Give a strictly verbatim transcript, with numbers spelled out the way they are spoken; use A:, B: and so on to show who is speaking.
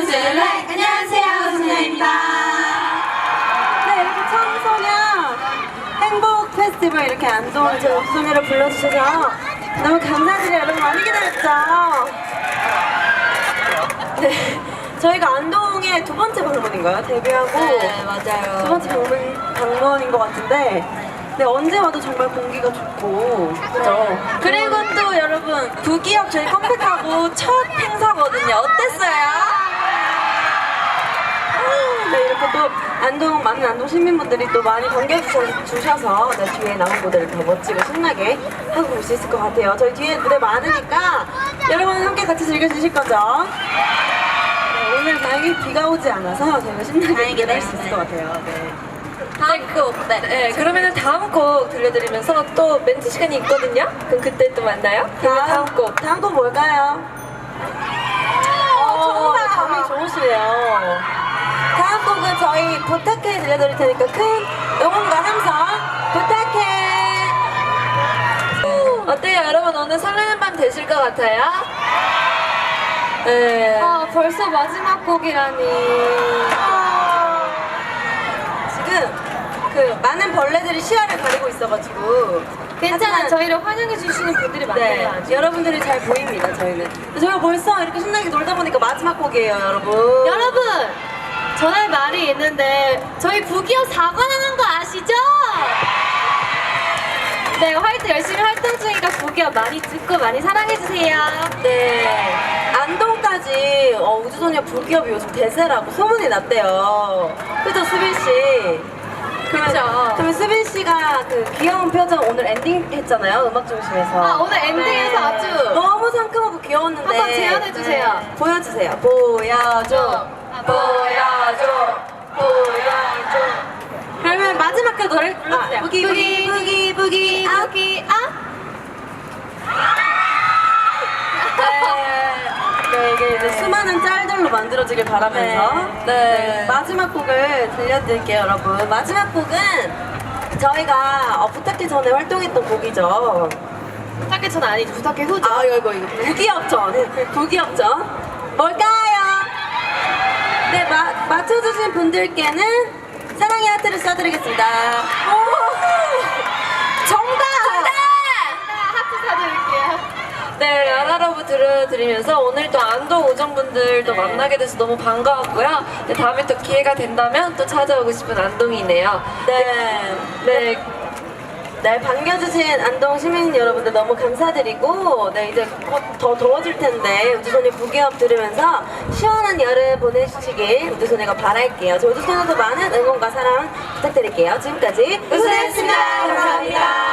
A: 우주소녀 안녕하세요, 우주소녀입니다.
B: 네, 이렇게 청소년 행복 페스티벌 이렇게 안동 제 우주소녀를 불러주셔서 너무 감사드려요. 여러분 많이 기다렸죠? 네, 저희가 안동의 두 번째 방문인가요? 데뷔하고
A: 네, 맞아요.
B: 두 번째 방문, 방문인 것 같은데 네, 언제 와도 정말 공기가 좋고 그죠?
A: 그리고 또 여러분 부기업 저희 컴백하고 첫 행사거든요. 어땠어요?
B: 네, 이렇게 또 안동, 많은 안동 시민분들이 또 많이 반겨주셔서 네, 뒤에 남은 무대를 더 멋지고 신나게 하고 올 수 있을 것 같아요. 저희 뒤에 무대 많으니까 여러분 함께 같이 즐겨주실 거죠? 네, 오늘 다행히 비가 오지 않아서 저희가 신나게
A: 다행이네요.
B: 무대를 할 수 있을 것 같아요. 네.
A: 다음 곡. 네.
C: 네, 그러면은 다음 곡 들려드리면서 또 멘트 시간이 있거든요? 그럼 그때 또 만나요? 그러면 다음 곡.
B: 다음 곡 뭘까요? 어,
A: 좋아.
B: 감이 좋으시네요. 다음 곡은 저희 부탁해 들려드릴 테니까 큰 응원과 함성 부탁해!
C: 어때요, 여러분? 오늘 설레는 밤 되실 것 같아요? 네.
A: 아, 벌써 마지막 곡이라니.
B: 지금 그 많은 벌레들이 시야를 가리고 있어가지고
A: 괜찮아,
B: 하지만
A: 저희를 환영해 주시는 분들이 많아요.
B: 네,
A: 아직.
B: 여러분들이 잘 보입니다. 저희는 저희가 벌써 이렇게 신나게 놀다 보니까 마지막 곡이에요, 여러분.
A: 여러분, 전할 말이 있는데 저희 부기업 사 관 하는 거 아시죠? 네, 활동 열심히 활동 중이니까 부기업 많이 듣고 많이 사랑해 주세요.
B: 네, 안동까지 어, 우주소녀 부기업이 요즘 대세라고 소문이 났대요. 그죠, 수빈 씨? 그러면,
A: 그쵸.
B: 그러면 수빈 씨가 그 귀여운 표정 오늘 엔딩 했잖아요, 음악 중심에서.
A: 아, 오늘 엔딩에서 아주
B: 너무 상큼하고 귀여웠는데.
A: 한번 재현해 주세요.
B: 네. 보여주세요. 보여줘. 보여줘. 보여줘. 그러면 마지막 그 노래 불러주세요.
A: 아,
B: 부기 부기 부기 부기 아.
A: 부기 아.
B: 네. 네, 이게 이제 수많은 짤들로 만들어지길 바라면서
C: 네.
B: 네, 마지막 곡을 들려드릴게요, 여러분. 마지막 곡은 저희가 어, 부탁해 전에 활동했던 곡이죠.
A: 부탁해 전 아니죠. 부탁해 후죠.
B: 아, 이거 이거 부기업전. 부기업전. 뭘까요? 네, 마, 맞춰주신 분들께는 사랑의 하트를 쏴드리겠습니다. 오! 정답!
A: 하트 사드릴게요.
C: 네, 라라라브 들려드리면서 오늘 또 안동 오정분들도
B: 네.
C: 만나게 돼서 너무 반가웠고요. 네, 다음에 또 기회가 된다면 또 찾아오고 싶은 안동이네요.
B: 네.
C: 네,
B: 네, 반겨주신 안동 시민 여러분들 너무 감사드리고, 네, 이제 곧 더 더워질 텐데, 우주소녀 부기업 들으면서 시원한 여름 보내시길 우주소녀가 바랄게요. 저 우주소녀도 많은 응원과 사랑 부탁드릴게요. 지금까지 우주소녀였습니다. 감사합니다.